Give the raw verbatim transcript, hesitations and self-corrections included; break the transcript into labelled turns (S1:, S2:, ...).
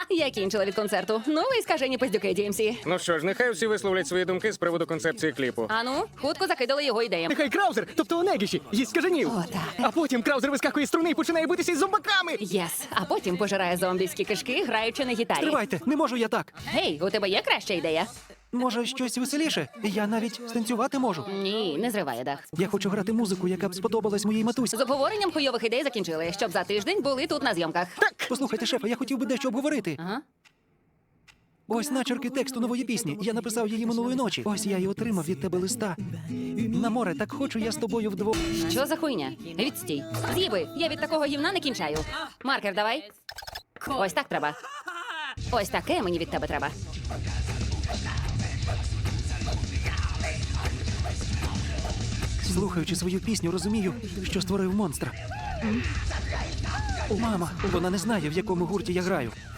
S1: Я кінчила від концерту. Ну, ви скажені пиздюки, Ді Ем Сі.
S2: Ну що ж, нехай всі висловлять свої думки з приводу концепції кліпу.
S1: Ану, хутко закидали його ідеям.
S3: Нехай Краузер, тобто Онегіші, їсть скаженів.
S1: О, так.
S3: А потім Краузер вискакує з струни і починає битися із зомбаками.
S1: Єс. А потім пожирає зомбійські кишки, граючи на гітарі.
S3: Тривайте, не можу я так.
S1: Гей, у тебе є краща ідея?
S3: Може, щось веселіше? Я навіть станцювати можу.
S1: Ні, не зриває дах.
S3: Я хочу грати музику, яка б сподобалась моїй матусі.
S1: З обговоренням хуйових ідей закінчили, щоб за тиждень були тут на зйомках.
S3: Так, послухайте, шефа, я хотів би дещо обговорити.
S1: Ага.
S3: Ось начерки тексту нової пісні. Я написав її минулої ночі. Ось я і отримав від тебе листа. На море, так хочу я з тобою вдвох.
S1: Що за хуйня? Відстій. З'їби, я від такого гівна не кінчаю. Маркер давай. Ось так треба. Ось таке мені від тебе треба.
S3: Слухаючи свою пісню, розумію, що створив монстра. Мама, вона не знає, в якому гурті я граю.